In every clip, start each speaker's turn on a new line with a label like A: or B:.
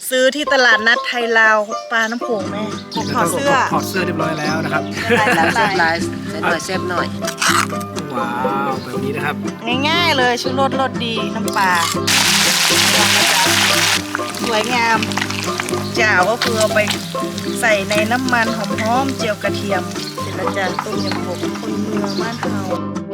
A: ซื้อที่ตลาดนัดไทยลาวปลาน้ำโขงแม่ถอดเสื้อ
B: ถอดเสื้อเรียบร้อยแล้วนะครับ
A: ลาย
C: เซฟไลน์ใส่หน่อยเซฟหน่อย
B: ว้าวแบบนี้นะครับ
A: ง่ายๆเลยชูรสรสดีน้ำปลาสวยงามจ่าวก็คือเอาไปใส่ในน้ำมันหอมๆเจียวกระเทียมเสร็จแล้วจ้ะต้มยำกบคนเมืองบ้านเฮา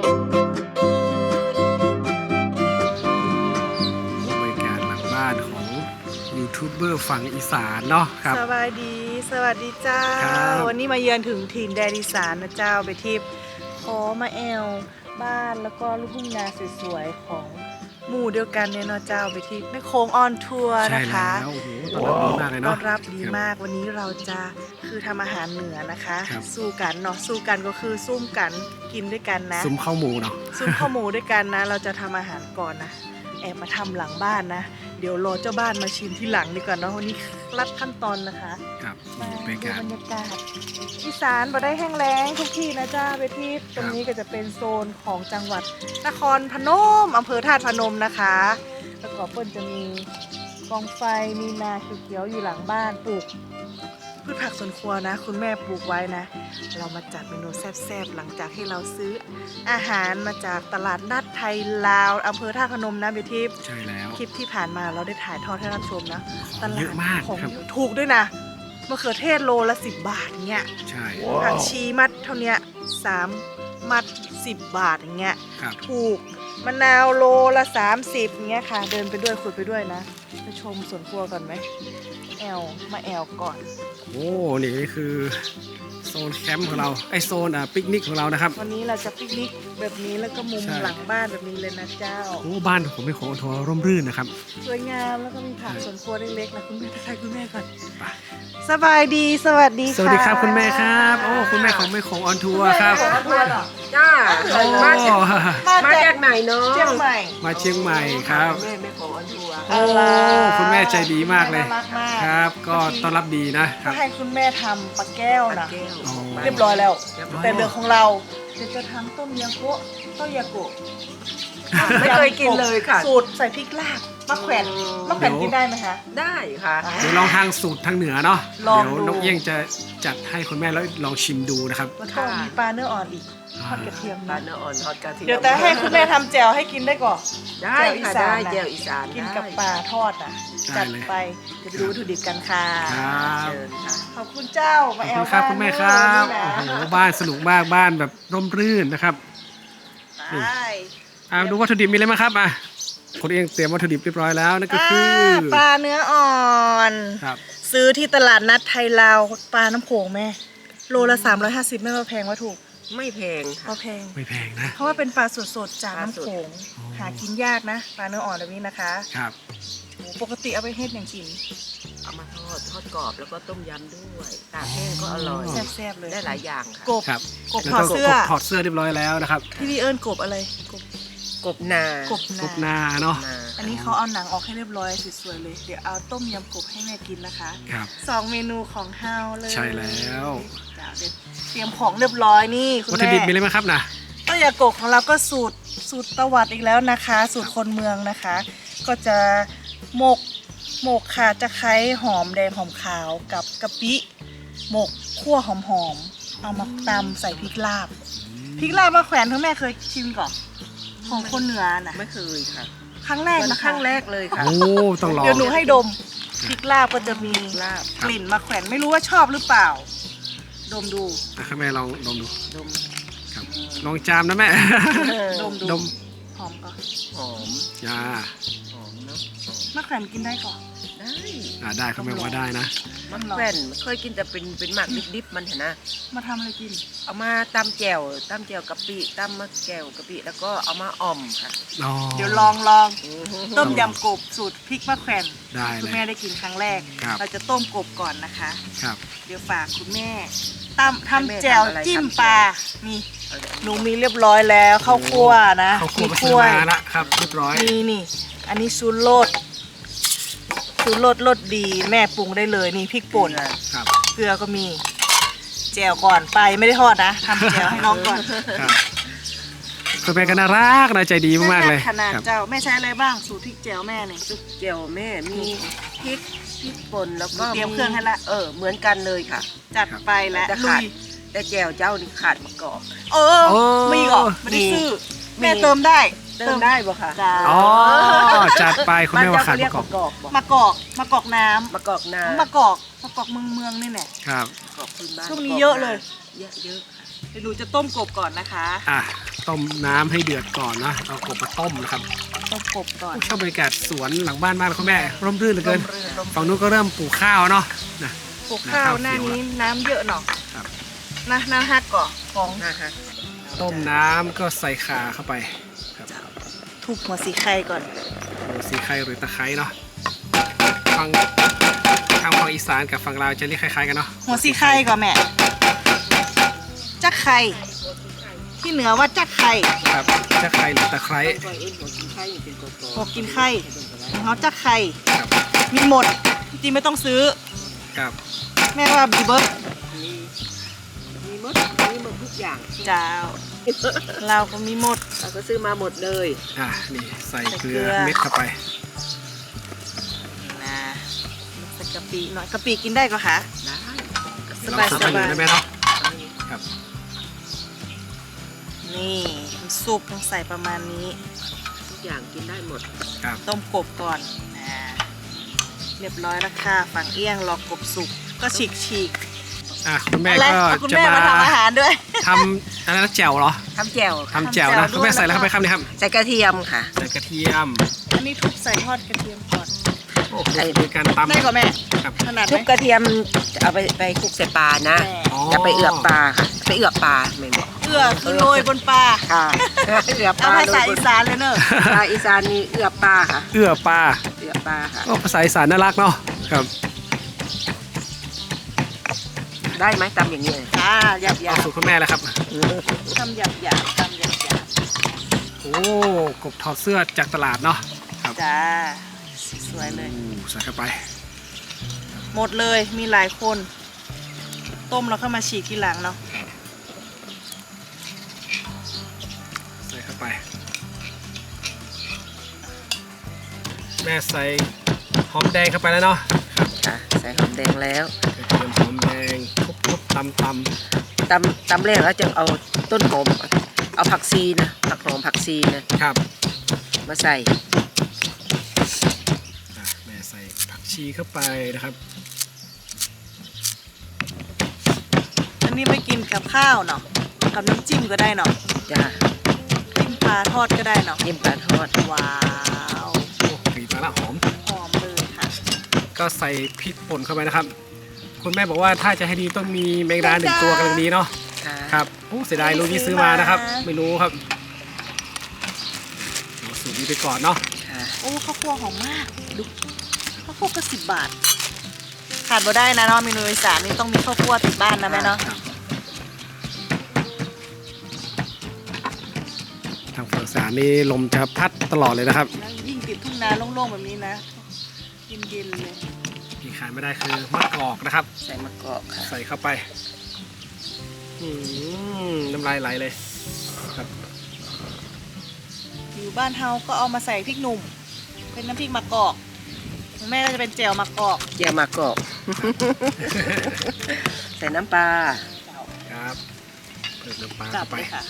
B: บริการหลังบ้านของยูทูบเบอร์ฝั่งอีสานเนาะครับ
A: สวัสดีสวัสดีเจ้า
B: ครับ
A: วันนี้มาเยือนถึงถิ่นแดนอีสานนะเจ้าไปที่ขอมาแอลบ้านแล้วก็ลูกทุ่งนาสวยๆของหมู่เดียวกันเนี่ยเนาะเจ้าไปที่แม่โค้งออนทัวร์
B: ใช่
A: นะคะ
B: แล้วโอ้โหตอนรับดีมากเลย
A: ต้
B: เนาะ
A: อนรับดีมากวันนี้เราจะคือทำอาหารเหนือนะคะ
B: ครับ
A: สู้กันเนาะสู้กันก็คือซุ่มกันกินด้วยกันนะ
B: ซุ้มข้าวหมูเนาะ
A: ซุ่มข้าวหมูด้วยกันนะ เราจะทำอาหารก่อนนะแอบมาทำหลังบ้านนะ เดี๋ยวรอเจ้าบ้านมาชิมที่หลังดีกว่าเนาะวันนี้รัดขั้นตอนนะคะ
B: ครับ
A: มา
B: บรร
A: ดู
B: ยากาศ
A: บรรยากาศอีสานบ่ได้แห้งแล้งทุกที่นะจ้าไปที่ตรงนี้ก็จะเป็นโซนของจังหวัดนครพนมอำเภอธาตุพนมนะคะแล้วก็เปิ้ลจะมีกองไฟมีนาเขียวๆอยู่หลังบ้านปลูกพืชผักสวนครัวนะ คุณแม่ปลูกไว้นะ เรามาจัดเมนูแซ่บๆหลังจากที่เราซื้ออาหารมาจากตลาดนัดไทยลาวอำเภอท่าตุพนมนะเบทิพ
B: ใช่แล้ว
A: คลิปที่ผ่านมาเราได้ถ่ายทอดให้รับชมนะ
B: ของเยอะมาก
A: ของ
B: ครับ
A: ถูกด้วยนะมะเขือเทศโลละ10 บาทเงี้ย
B: ใช่
A: ผักชีมัดเท่าเนี้ย3 มัด 10 บาทอย่างเงี้ย
B: ครับ
A: ถูกมะนาวโลละ30เงี้ยค่ะ เดินไปด้วยคุยไปด้วยนะไปชมสวนครัวก่อนไหมมาแอลก่อน
B: โอ้นี่คือโซนแคมป์ของเราไอโซนปิกนิกของเรานะครับ
A: วันนี้เราจะปิกนิกแบบนี้แล้วก็มุม
B: ใช่
A: หลังบ้านแบบนี้เลยนะเจ้า
B: โอ้บ้านผมเป็นของออนทัวร์ร่มรื่นนะครับ
A: สวยงามแล้วก็มีผักสวนครัวเล็กๆนะคุณแม่ทักทายคุณแม่ก่อน
B: ไป
A: สบายดีสวัสดีค่ะ
B: สวัสดีครับคุณแม่ครับโอ้คุณแม่ของแม่ของออนทัวร์ครับ
A: คุณแม่ของทัวร์เหรอ
C: จ้า
B: โอ้
C: มาจากไหนเนาะ
A: เชียงใหม่
B: มาเชียงใหม่ครับ
C: แม่ของออนทัวร์
B: โอ้คุณแม่ใจดีมากเลย
A: น่ารักมาก
B: ครับ ก็ต้อนรับดีนะครับ
A: ให้คุณแม่ทำปลาแก้วนะ
C: แก้ว
B: อ๋อ
A: เรียบร้อยแล้ว
C: เรียบร้อย
A: แต่เรื่องของเราเดี๋ยวจะทำต้มยำโกะต้มยำโกะ
C: ไม่เคยกินเลยค่ะ
A: สูตรใส่พริกลาบมะแขวนมะแขวนกินได้ไหมคะ
C: ได้ค่ะ
B: เดี๋ยวลองทางสูตรทางเหนือเนาะ
A: ลอง
B: เดี๋ยว
A: ดู
B: น้องเอี้ยงจะจัดให้คุณแม่แล้วลองชิมดูนะครับ
A: แล้วก็มีปลาเนื้ออ่อนอีกทอดกระเทียม
C: ปลา
A: นะ
C: เนื้ออ่อนทอดกระเทียม
A: เดี๋ยวแต่ให้คุณแม่ทำแจ่วให้กินได้ก่อน
C: ได้ค่ะได้แจ่วอีสาน
A: กินกับปลาทอดอ่ะ
B: ได้
A: จัด
B: เลย
A: ไปเดี๋ยวไปดูวัตถุดิบกันค่ะ
B: ครับ
C: เชิญค่ะ
A: ขอบคุณเจ้า
B: ข
A: มา
B: อบ
A: แอ
B: คุ
A: ล
B: ณครับคุณแม่ครับ
A: บ้าน
B: โอ้
A: เมือง
B: โหบ้านสนุกมากบ้านแบบร่มรื่นนะครับ
A: นี่
B: ดูวัตถุดิบมีอะไรมางครับคนเองเตรียมวัตถุดิบเรียบร้อยแล้วนั่นก็คือ
A: ปลาเนื้ออ่อน
B: ครับ
A: ซื้อที่ตลาดนัดไทยลาวปลาน้ำโขงแม่โลละ350ไม่มาแพงว่าถูก
C: ไม่แพง
A: พอ
C: ค่ะ
A: แพง
B: ไม่แพงนะ
A: เพราะว่าเป็นปลาสดๆจากน้ำโขง
B: อ๋อ
A: หากินยากนะปลาเนื้ออ่อนแบบนี้นะคะ
B: ครับ
A: โอ้ปกติเอาไปเฮ็ดอย่างกิน
C: เอามาทอดกรอบแล้วก็ต้มยำด้วยตากแห้งก็อร่อย
A: แซ่บๆเลย
C: ได้หลายอย่างค่ะ
A: กบ
B: ครับ
A: กบ
B: แล้ว
A: ถอดเสื้อ
B: กบถอดเสื้อเรียบร้อยแล้วนะครับ
A: พี่วีเอิญกบอะไรกบ
C: กบนาก
A: บ
B: กบนาเนาะ
A: อันนี้เขาเอาหนังออกให้เรียบร้อยสวยๆเลยเดี๋ยวเอาต้มยำกบให้แม่กินนะคะ
B: ครับ
A: 2 เมนูของเฮาเลย
B: ใช่แล้ว
A: จ้ะเดี๋ยวเตรียมของเรียบร้อยนี่คุณ
B: วัตถุ
A: แม่
B: ดิบมีอะไรบ้างครับนะ
A: ต้มยำกบของเราก็สูตรตะวัดอีกแล้วนะคะ สูตรคนเมืองนะคะ ก็จะหมกค่ะจะไคร้หอมแดงหอมขาวกับกะปิหมกคั่วหอมๆเอามาตำใส่พริกลาบพริกลาบมาแขวนทั้งแม่เคยชิมก่อนของคนเหนือน่ะ
C: ไม่เคยค่ะ
A: ครั้งแรก
C: วัน
A: นะ
C: ครั้งแรกเลยค่ะ
B: โอ้ต้องลอง
A: เดี๋ยวหนูให้ดมพริกลาบก็จะมี
C: ลาบ
A: กลิ่นมาแขวนไม่รู้ว่าชอบหรือเปล่า ดมดู
B: นะครับแม่ลองดมดู
C: ดม
B: ครับลองจามนะแม่
A: ดมดู
B: ดม
A: หอมก็
C: หอม
B: อ่า
C: หอมเนาะหอม
A: มะแขวนกินได้ก่อน
C: ได้
B: ได้ครับแม่ว่าได้นะ
C: มันแว่นเคยกินแต่เป็นหมักดิบๆมันเห็นนะ
A: มาทำอะไรกิน
C: เอามาตำแจ่วกะปิตำมะแจ่วกะปิแล้วก็เอามาอ่อมค่ะ
B: อ๋อ
A: เดี๋ยวลองต้มยำกบสูตรพริกมะแขวน
B: ได้
A: คุณ
B: เลย
A: แม่ได้กินครั้งแรก
B: ครับ
A: เราจะต้มกบก่อนนะคะ
B: ครับ
A: เดี๋ยวฝากคุณแม่ทำแจ่วจิ้มปลานี่หนูมีเรียบร้อยแล้วข้าวคั่วนะ
B: เขาคั่ว
A: มี
B: มา
A: ก
B: ซื้อ
A: ล้วย
B: มาละครับเรียบร้อย
A: นี่อันนี้ซูโรสรสดีแม่ปรุงได้เลยนี่พริกป่น
B: ครับ
A: เกลือก็มีแจ่วก่อนไปไม่ได้ทอดนะทำแจ่วให้น้องก่อน
B: ครับคุณแม่ก็น่ารักน่าใจดีมากๆเลย
A: ขนาด
B: ครับ
A: เจ้าแม่ใช้อะไรบ้างสูตรพริกแจ่วแม่เนี่ย
C: ซุปแจ่วแม่มีพริกพริกป่นแล้วก็
A: เตรียมเครื่องให้ละ
C: เหมือนกันเลยค่ะ
A: จัดไปแล้ว
C: จะ
A: ลุ
C: ขาด
A: ย
C: แต่แจ่วเจ้านี่ขาดมะกอก
A: เออมีเหรอไม่ได้ซื้อ
C: มี
A: แม่เติมได้
C: เติมได้บ่ค่ะ
A: จ้า
B: อ๋อจัดไปคุณ
C: บ้าน
B: แม่ว่า
C: เจ้า
B: ขา
C: เขา
B: ด
C: เรี
B: ป
C: ยก
B: ระกอบ
C: มะกอกบ่
A: มะกอกน้ำ
C: มะกอกนาม
A: ะกอกเมืองนี่แหละ
B: ครับ
C: มะกอกพื้นบ้าน
A: ช่วงนี้เยอะเลย
C: เยอะค่ะ
A: เดี๋ยวหนูจะต้มกบก่อนนะคะ
B: อ่ะต้มน้ำให้เดือดก่อนนะเอากบมาต้มนะครับ
A: ต้มกบก่อน
B: ชอบบรรยากาศสวนหลังบ้านมากเลยคุณแม่ร่มรื่นเหลือเกิน
A: ร่ม
B: ฝั่งนู้นก็เริ่มปลูกข้าวเนาะนะ
A: ปลูกข้าวหน้านี้น้ำเยอะหน่อย
B: ครับ
A: น้ำฮักก่อนของ
C: นะฮะ
B: ต้มน้ำก็ใส่ข่าเข้าไปครับ
A: ทุบหัวสีไข่ก่อน
B: หัวสีไข่หรือตะไคร้เนาะฝั่งทางฝั่งอีสานกับฝั่งลาวจะเรียกคล้ายๆกันเนาะ
A: หัวสีไข่ก่อนแม่จักไข่ที่เหนือว่าจักไข่
B: ครับตะไคร้หรือตะไคร้
C: ก็เอ็นหัวกินไข่เป็นกอก
A: หัวกินไข่ของเขาจักไข่
B: ครับ
A: มีหมดจริงๆไม่ต้องซื้อ
B: ครับ
A: แม่ว่าบีเบิร์
C: มีหมดทุกอย่าง
A: จ้าเราก็มีหมด
C: เราก็ซื้อมาหมดเลย
B: อ่ะนี่ใส่เกลื
A: ใส่เกลื
B: อ
A: อ
B: เม็ดเข้าไป
A: นะใส่กะปิหน่อยกะปิกินได้ก็คะ
C: ได้
A: สบาย
B: เร
A: ส
B: ทำ
A: บาย
B: ได้ไหมเนาะครับ
A: นี่น้ำซุปต้องใส่ประมาณนี้
C: ทุกอย่างกินได้หมด
B: ครับ
A: ต้มกบก่อนเรียบร้อยแล้วค่ะฝั่งเอี้ยงรอกบสุกก็ฉีก
B: อ่ะคุณแม่
A: อะไร
B: ก็
A: เอาคุณ
B: จะ
A: แม่
B: มา
A: มาทำอาหารด้วย
B: ทำอะไรนะแจ่วเหรอ
C: ทำแจ่ว
B: ทำแจ่วนะ
A: ทำแจ่ว
B: คุณแม่ใส่อะไร
A: ด้วย
B: เข้าไปครับเนี่ยครับ
C: ใส่กระเทียมค่ะ
B: ใส่กระเทียม
A: อันนี้ทุบใส่ทอดกระเทียมก่อน
B: โอ้โหมีการตำ
A: ได้ก่อนแม่
B: ครับ
A: ขนาดไห
C: ทุ
A: ม
C: บกระเทียมเอาไปคลุกใส่ปลานะ
A: แม่
C: จะไปเอือบปลาค่ะไปเอือบปลาไม่บอก
A: เอื้อคือโรยบนปลา
C: ค่ะเอือบป
A: เอา
C: ลา
A: ภาษาอีสานเลยเนอะ
C: ภาษาอีสานนี่เอือบปลาค่ะ
B: เอื้อปลา
C: เอือบปลาค่ะ
B: โอ้ภาษาอีสานน่ารักเนาะครับ
C: ได้ไหมตำอย่างนี้
A: จ้าหยาบหยา
B: เอา
A: บ
B: สูตรคุณแม่แล้วครับ
A: ทำหยาบหยาบทำหยาบหยาบ
B: โอ้กบถอดเสื้อจากตลาดเนาะครับ
A: จ้าสวยเลย
B: ใส่เข้าไป
A: หมดเลยมีหลายคน ต้มแล้วเข้ามาฉีกทีหลังเนาะ
B: ใส่เข้าไป แม่ใส่หอมแดงเข้าไปแล้วเนาะ
C: ค่ะใส่หอมแดงแล้ว
B: กระเทียมหอมแดงทุบๆตำ
C: ตำแรกแล้วจะเอาต้นหอมเอาผักชีนะผักหอมผักชีนะครับ มาใส่
B: อ่ะแม่ใส่ผักชีเข้าไปนะครับ
A: อันนี้ไม่กินกับข้าวเนาะกับน้ำจิ้มก็ได้เนาะ
C: จ้า
A: จิ้มปลาทอดก็ได้เนาะ
C: จิ้มปลาทอด
A: ว้าว
B: โอ้กลิ่นมาละหอม
A: หอมเลยค่ะ
B: ก็ใส่พริกป่นเข้าไปนะครับ คุณแม่บอกว่าถ้าจะให้ดีต้องมีแมงดาหนึ่งตัวกำลังดีเนาะ
C: ค่ะ
B: ครับโอ้เสียดายลูกนี้ซื้อมานะครับ ไม่รู้ครับเอาสูตรนี้ไปก่อนเนาะ
C: ค่ะ
A: โอ้ข้าวคั่วหอมมากดูข้าวคั่วก็10 บาท ขาดบ่ได้นะเนาะเมนูอีสานนี่ต้องมีข้าวคั่วติดบ้านนะแม่เนาะ
B: ครับทางฝั่งอีสานนี่ลมจะพัดตลอดเลยนะครับ
A: แล้วยิ่งติดทุ่งนาโล่งๆแบบนี้นะเย็นๆเลย
B: ที่ขาดไม่ได้คือมะกอกนะครับ
C: ใส่มะกอกค่ะ
B: ใส่เข้าไปน้ำลายไหลเลยครับ
A: อยู่บ้านเฮาก็เอามาใส่พริกหนุ่ม เป็นน้ำพริกมะกอกของแม่ก็จะเป็นแจ่วมะกอก
C: เจียวมะกอก ใส่น้ำปลา
B: ครับเพิ่มน้ำปลา
A: จับ
B: เข้าไป
A: เลยค่ะ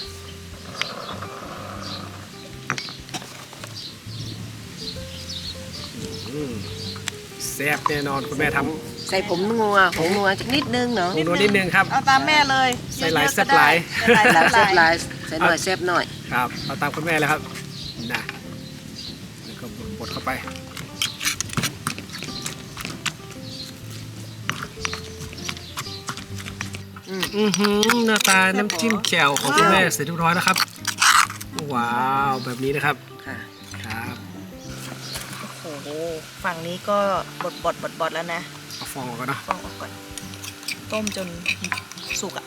B: แซ่บแน่นอนคุณแม่ท
C: ใส่ผงนัวสักนิดนึงเนาะ
B: ำนูนนิดนึงครับ
A: เอาตามแม่เลย
B: ใส่หลาย
A: เยอะๆ
B: แซ่บหลาย
A: ก็ได้
C: หลาย
A: ใส่
C: แซ่บ
A: ห
C: ห
A: ลา
C: ลาย ยใส่หน่อยแซ่บหน่อย
B: ครับเอาตามคุณแม่เลยครับนะแล้วก็บดเข้าไป อือหือหน้าตาน้ำจิ้มแจ่วของคุณแม่เสร็จเรียบร้อยแล้วครับ ว้าวแบบนี้นะครับ
C: ค่ะ
B: ครับ
A: โอ้โหฝั่งนี้ก็บดแล้วนะ
B: เอาฟองออกก่อนเนาะ
A: ฟองออกก่อนต้มจนสุกอ่ะ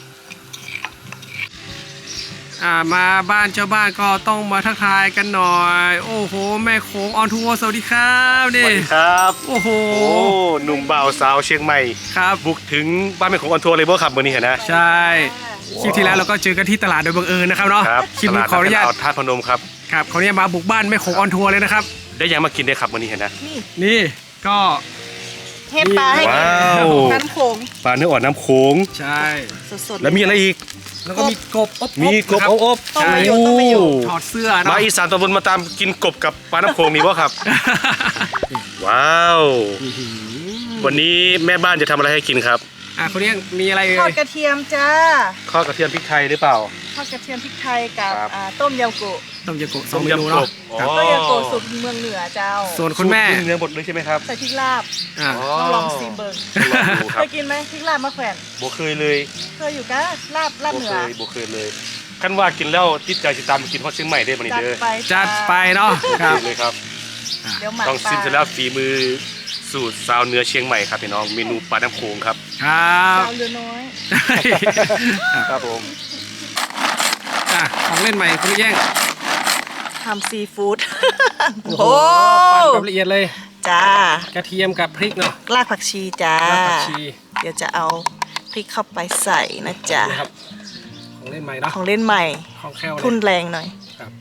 B: มาบ้านเจ้าบ้านก็ต้องมาทักทายกันหน่อย โอ้โหแม่โขงออนทัวร์สวัสดีครับ
D: ส
B: นี่
D: วัสดีครับ
B: โอ้โห
D: โอ้หนุ่มบ่าวสาวเชียงใหม่
B: ครับ
D: บุกถึงบ้านแม่ของออนทัวร์เลยบ่ครับวันนี้เห็นนะ
B: ใช่คลิปที่แล้วเราก็เจอกันที่ตลาดโดยบังเอิญนะครับเนาะ
D: ครับ
B: คลิปนี้ขออนุญาต
D: ตลดท่าตุพนมครับ
B: ครับขออนุญาตมาบุกบ้านแม่โขงออนทัวร์เลยนะครับ
D: ได้ยังมากินได้ครับวันนี้เห็นนะ
A: นี่
B: นี่ก็
A: เฮ็ดปลาให้กิน
D: ว้าว
A: น้ำโขง
D: ปลาเนื้ออ่อนน้ำโขง
B: ใช่
A: สดๆ
D: แล้วมีอะไรอีก
B: แล้วก็มีกบอบๆ
D: มีกบ
B: นะครับ
D: อบ
A: ต้องมาอยู่ต้องมาอยู่
B: ถอดเสื้อ
D: มา
B: เนาะ
D: อีสานตอนบนมาตามกินกบกับปลาน้ำโขงนี่บ่ครับ ว้าว วันนี้แม่บ้านจะทำอะไรให้กินครับ
B: คุณเลี้ยงมีอะไร
A: ทอดกระเทียมจ้า
D: ข้าวกระเทียมพริกไทยหรือเปล่า
A: ทอดกระเทียมพริกไทยกับ
D: ครับ
A: ต้มยำโกะ
B: ต้มยำกบสอ
D: ต้
B: ง
D: ม
B: เมนู
D: ยำก
B: เนาะ
D: บ
B: ครับ
A: ต้มยำโกะสูตรเมืองเหนือเจ้า
B: ส่วนคุณแม่
D: สูตรเนื้อหมดเลยใช่ไหมครับ
A: ใส่พริกลาบ
B: อ่า
A: ต้องลองซิมเบิร์
D: ลองดูค
A: เครับ ยกินไหมพริกลาบมะแขวน
D: บ่เคยเลย
A: เคยอยู่กะลาบ
D: บ่
A: เหนื
D: เค
A: อย
D: บ่เคยเลยขั้นว่ากินแล้วติดใจสิตามไปกินฮอดเชียงใหม่ได้บ่นี่
A: จัด
D: เด้อ
A: ไป
B: จัดไปเนาะครับ
D: เลยครับ
A: เดี๋ยวหมัก
D: ต้อง
A: ปลา
D: ซิมเสร็จแล้วฝีมือสูตรสาวเหนือเชียงใหม่ครับพี่น้องเมนูปลาน้ำโขงครับ
B: ครับ
A: เจ้าเรือน้อย
D: ครับผม
B: ของเล่นใหม่คุณแย่ง
A: ทำซีฟู้ด
B: ปั่นแบบละเอียดเลย
A: จ้าก
B: ระเทียมกับพริกเนาะ
A: รากผักชีจ้าร
B: ากผักชี
A: เดี๋ยวจะเอาพริกเข้าไปใส่นะจ๊ะ
B: นะครับของเล่นใหม่เนาะ
A: ของเล่นใหม่
B: ของแคลวเลย
A: ทุนแรงหน่อย
B: ครับ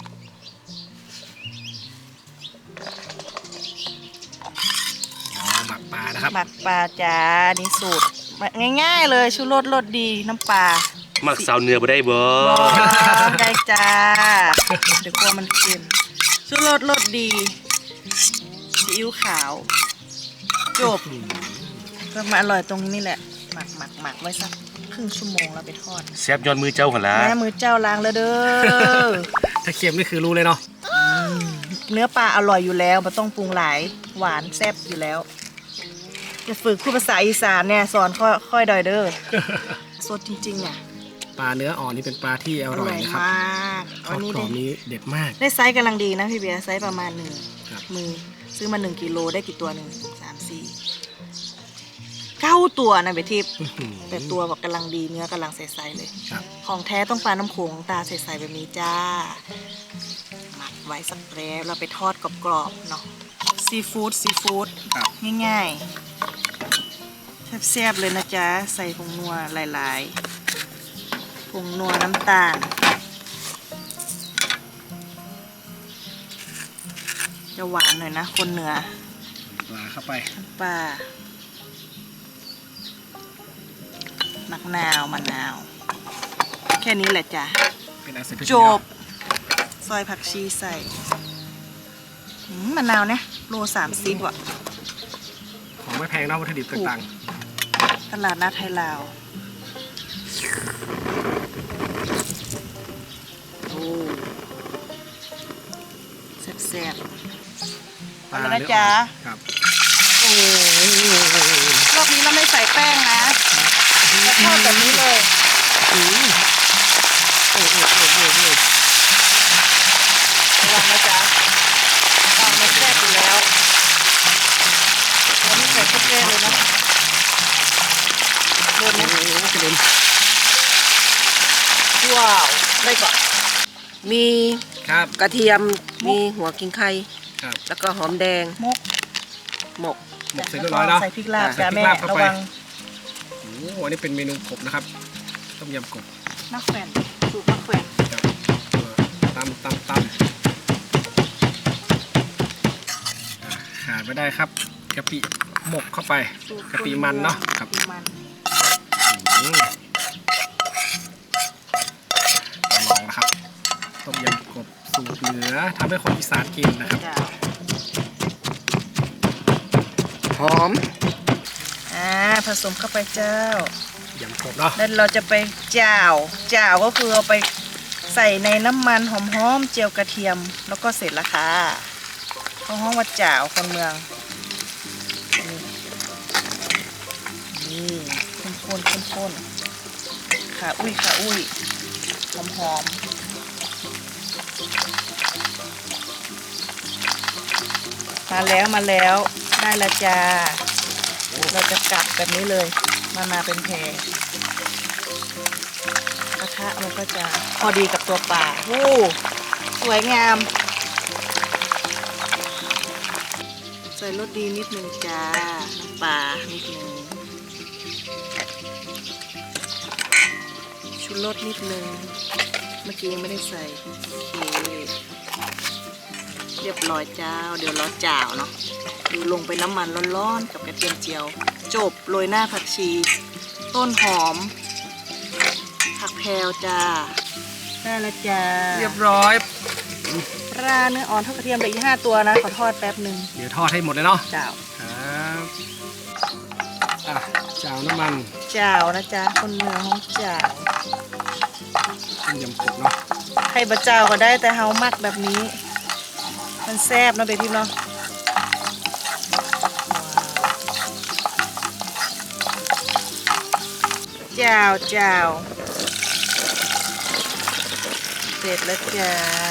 B: หมักปลานะครับ
A: หมักปลาจ้านี่สูตรง่ายๆเลยชูรสรสดีน้ำปลา
D: มักสาวเหนือบ่ได้บ่
A: ได้จ้า เดี๋ยวกลัวมันเค็มชูรสรสดีซีอิ๊วขาว จบก็มาอร่อยตรงนี้แหละ หมักไว้สักครึ่งชั่วโมงแล้วไปทอด
D: แซ่บย้อนมือเจ้าหั่นล่ะ
A: แม่มือเจ้าล้างแล้วเด้อ
B: ถ้าเค็มนี่คือรู้เลยเนาะ
A: เนื้อปลาอร่อยอยู่แล้วมันต้องปรุงหลายหวานแซ่บอยู่แล้ว จะฝึกพูดภาษาอีสานเนี่ยสอนค่อยดอยเด้อสดจริงๆเนี่ย
B: ปลาเนื้ออ่อนนี่เป็นปลาที่อร่อยนะครับ
A: มาก
B: ทอดกรอบนี้เด็ดมาก
A: ได้ไซส์กำลังดีนะพี่เบียร์ไซส์ประมาณหนึ่ง
B: ครับ
A: มือซื้อมา1 กิโลได้กี่ตัวหนึ่ง9 ตัวนะเบทิพย์
B: อื้อหือ
A: แต่ตัวแบบกำลังดีเนื้อกำลังใสๆเลย
B: ครับ
A: ของแท้ต้องปลาน้ำโขงตาใสๆแบบนี้จ้าหมักไว้สักแป๊บเราไปทอดกรอบๆเนาะซีฟู้ด
B: ครับ
A: ง่ายๆแซ่บๆเลยนะจ๊ะใส่ผงนัวหลายๆผงนัวน้ำตาลจะหวานหน่อยนะคนเหนือ
B: ปลาเข้าไป
A: ปลามะนาว แค่นี้แหละจ้ะ
B: เป็นอาเซน
A: จบ ซอยผักชีใส่มะนาวเนี่ยโล30ว่ะ
B: ของไม่แพงเนาะวัตถุดิบต่าง
A: ตลาดนัดไทยลาวโอ้แซ่บ
B: ๆ
A: เอาเลยนะจ๊ะ
B: ครับ
A: ๆโอ้รอบนี้เราไม่ใส่แป้งนะเราทอดแบบนี้เลย ระวังนะจ๊ะตอนมันแซ่บอยู่แล้วเราไม่ใส่ข้าวแกงเลยนะโดนไหม
B: โอ้โหกระเด็น
A: ว้าวได้ก่อน
C: มี
B: ครับ
C: กระเทียมมีหัวกิ้งไข่
B: ครับ
C: แล้วก็หอมแดง
A: มก
C: หมก
B: หมกเสร็จเรียบร้อยเนาะ
A: ใส่พริกลาบ
B: ใส่
A: จ้ะ
B: พริ
A: แม่
B: กลาบเข้า
A: ระ
B: ไป
A: วัง
B: โอ้โหอันนี้เป็นเมนูกบนะครับ ต้มยำกบ
A: มะแขวนสูตรมะแขวน
B: ครับตำขาดไม่ได้ครับกะปิหมกเข้าไป
A: สูตร
B: กะปิมันเนาะครับ
A: กะปิมัน
B: ลองนะครับต้มยำกบสูตรเหนือทำให้คนอีสานกินนะครับ
A: จ้ะ
C: หอม
A: ผสมเข้าไปเจ้าย
B: ำกบเนาะ
A: แล้วเราจะไปจ่าวก็คือเอาไปใส่ในน้ำมันหอมๆเจียวกระเทียมแล้วก็เสร็จละค่ะเขาห้องว่าจ่าวคนเมืองนี่ข้นขาอุ้ยหอมมาแล้วได้และจ้าเราจะกัดแบบนี้เลยมาเป็นแพรกระทะมันก็จะพอดีกับตัวปลาโอ้สวยงามใส่รสดีนิดนึงจ้าน้ำปลานิดนึงชูรสนิดนึงเมื่อกี้ยังไม่ได้ใส่โอเคเรียบร้อยเจ้าเดี๋ยวรอจ่าวเนาะดูลงไปน้ำมันร้อนๆกับกระเทียมเจียว จบโรยหน้าผักชี ต้นหอม ผักแพรวจ้าได้แล้วจ้า
B: เรียบร้อย
A: ปลาเนื้ออ่อนทอดกระเทียมเหลืออีก5 ตัวนะ ขอทอดแป๊บหนึ่ง
B: เดี๋ยวทอดให้หมดเลยเนาะ
A: เจ้า
B: ครับอ่ะเจ้าน้ำมัน
A: เจ้านะจ๊ะคนเมืองของเจ้า
B: ต้มยำกบเนาะ
A: ใครบะเจ้าก็ได้แต่เฮามักแบบนี้ มันแซ่บเนาะเบทิมเนาะเจ้าเจ้าเสร็จแล้วจ้า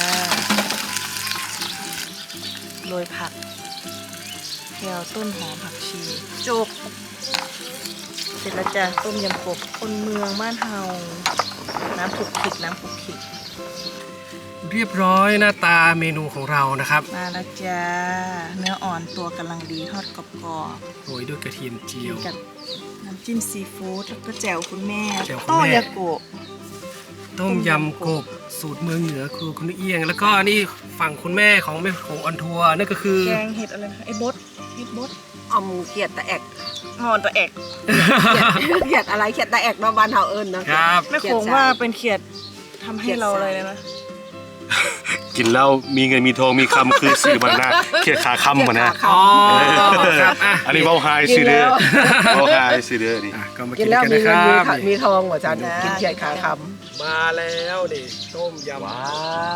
A: โรยผักแครต้นหอมผักชีจบเสร็จแล้วจ้าต้มยำกบคนเมืองบ้านเฮาน้ำผุกขิกน้ำผุกขิก
B: เรียบร้อยหน้าตาเมนูของเรานะครับ
A: มาแล้วจ้าเนื้ออ่อนตัวกำลังดีทอดกรอบ
B: โรยด้วยกระเทียมเจียว
A: ๆกับน้ำจิ้มซีฟู้ดแล้วก็แจ่วคุณแม่
B: แจ่วคุณ
A: โต้
B: แม่
A: ยาโกะ
B: ต้มยำกบสูตรเมืองเหนือครูคุณเอียง แล้วก็นี่ฝั่งคุณแม่ของแม่ของออนทัวร์นั่นก็คือ
A: แกงเห็ดอะไรนะไอ้บดเห็ดบด
C: เอาหมูเขียดตะแอก
A: หอนตัวแอก
C: เขียดอะไรเขียดตะแอกเนาะบ้านเฮาเอิ้นนะครับ
A: ไม่คงว่าเป็นเขียดทำให้เราอะไรเลยนะ
D: กินแล้วมีเงินมีทองมีคำคือสื่อมันนะเขียดขาคำมันนะ
B: อ๋อครับอ่ะ
D: อันนี้เบาไฮซื้อเด้อเบาไฮซื้อเด้อนี่
B: อ่ะก็มา
C: กิ
B: กิ
C: น
B: น
C: แล้ว
B: กัน
C: มี
B: นะค
C: เงิน
B: รับ
C: มีทองกว่าจันกินเขียดขาค
B: มาแล้วดิต้มยำ
D: ว้าว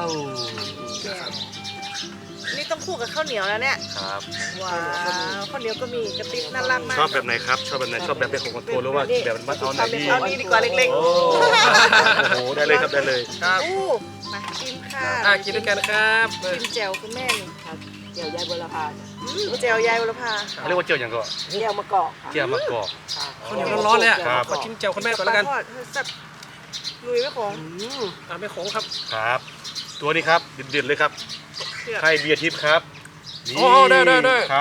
A: นี่ต้องคู่กับข้าวเหนียวแล้วเนี่ย
D: ครับ
A: ว้าวข้าวเหนียวก็มีกระติบน่ารักมาก
D: ชอบแบบไหนครับ ชอบแบบไหนชอบแบบเป็นของคอนโทรหรือว่าแบบมันเอาไหนดี
A: เอานี้ดีกว่าเล็ก
D: โอ้โหได้เลยครับได้เลย
B: ครับ
A: ๆอู้มาชิมค่ะ
B: อ่ะกินด้วยกันนะครับ
A: ชิมแจ่วคุณแม่นี่
C: ำเจียวยายบุรพา
A: แจ่วยายวรภา
D: เขาเรียกว่าเจียวอย่างก็
C: เจียวมะกอกค่ะ
D: เจียวมะกอก
B: ข้าวเหนียวร้อนๆเลยอ่ะ
D: ครับ
B: ขอชิมแจ่วคุณแม่ก่อนแล้วกัน
A: ปลาทอดแซ่บลุยไว้ของ
B: อ่ะแม่โขงครับ
D: ครับ ตัวนี้ครับเด็ดๆเลยครับ
A: เผือก
D: ไข่เบียร์ทิพย์ครับนี่
B: โอ้ได้ได้
D: ครับ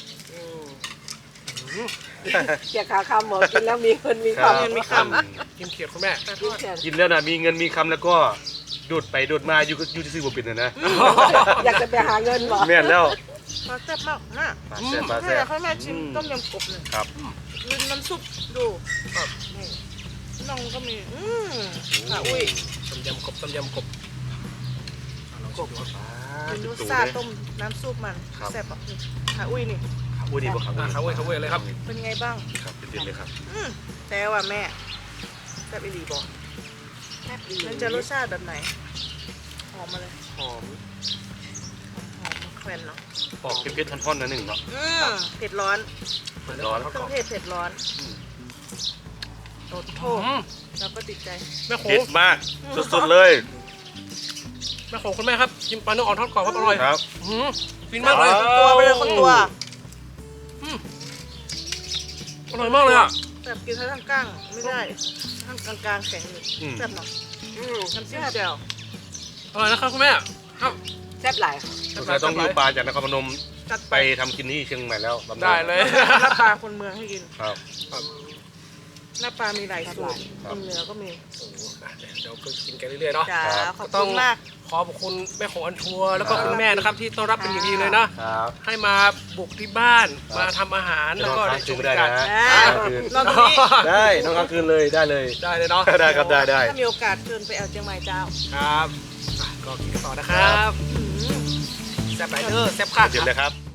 C: เขียดขาคำหมอกินแล้วมีเงินมี
D: ครับ
C: คำ
B: กินเขียดคุณแม่
A: ปลาท
C: กิน
A: อด
C: เขียด
D: กินแล้วนะมีเงินมีคำแล้วก็ดูดไปดูดมาอยู่ที่ซื้อบ่เป็นนะ
C: อยากจะไปหาเงินบ่
D: แม่นแล้ว
A: ปลาแซ่บมากนะ
D: ปลาแซ่บปลา
A: ให้
D: แซ่บ
A: ให้แม่ชิมต้มยำกบเลย
D: ครับ
A: ลืมน้ำซุปดูนี่น้องก็มีค่ะอุ้ย
B: ต้มยำกบต้มยำกบอ่ะลองชิมดูครับ
A: กินรสชาติต้มน้ำซุปมันแซ่บอ่ะนี่ค่ะอุ้ยนี่
D: อุ้ยดีป่ะครับ
B: อ่ะเขาเว้ยเลยครับ
A: เป็นไงบ้าง
D: ครับเด็ดๆเลยครับ
A: แต่ว่าแม่แซ่บอีหลีบอกมันจะรสชาติแบบไหนหอมมาเลย
D: หอม
A: หอมแควนเนาะ
D: ปอกเผ็ดๆท่อนๆนะหนึ่งเนาะ
A: เผ็ดร้อน
D: ร้อน
A: เครื่องเทศเผ็ดร้อนโอ้โหเราก็ติดใจ
B: แม่โข
D: เผ็
B: ง
D: ดมากสุดๆเลย
B: แม่โขงคุณแม่ครับกินปลาเนื้ออ่อนทอดกรอบครับอร่อย
D: ครับ
B: ฟินมากเลย
A: ตัวไปเลยคนตัว
B: อร่อยมากเลยอ่ะ
A: แบบกินทั้งก้างไม่ได้ทั้งกลางๆแข็งอยู่
D: อืม
A: แซ่บเนาะน้ำจิ้มแจ่ว
B: อร่อยนะครับคุณแม่ครับ
C: แซ่บหลาย
D: สงสัยต้องดูปลาจากนครพนม
A: จัด
D: ไปทำกินที่เชียงใหม่แล้วบำรุง
B: ได้เลย
A: หน้าปลาคนเมืองให้กิน
D: ครับ
A: หน้าปลามีหลายสูตรคนเหนือก็มี
B: เดี๋ยวก็กินกันเรื่อยๆเนาะ
A: จ้า
D: ครับ
A: ขอบคุณมาก
B: ขอบคุณแม่ของอันทัวร์แล้วก็คุณแม่นะครับที่ต้อนรับเป็นอย่างดีเลยนะครับ ให้มาบุกที่บ้าน
D: ครับ
B: มาทำอาหาร
D: จะ
B: แล้ว
D: นอน
B: ก็
D: ค้า
B: ได้
D: ง
B: ช
D: คืน
B: ม
D: ไม่ได้
B: กั
D: นะ
B: น
D: ค้างคืน
A: นอนตรงนี้
D: ได้นอนค้างคืนเลยได้เลย
B: ได้เลยเนาะ
D: ได้ครับได้ได้
A: ถ้ามีโอกาสเชิญไปเอาเชียงใหม่เจ้า
B: ครับอ่ะก็กินต่อนะครับแซ่บไหลเดอร์แซ่บค่ะ
D: เดี๋ยวเลยครับ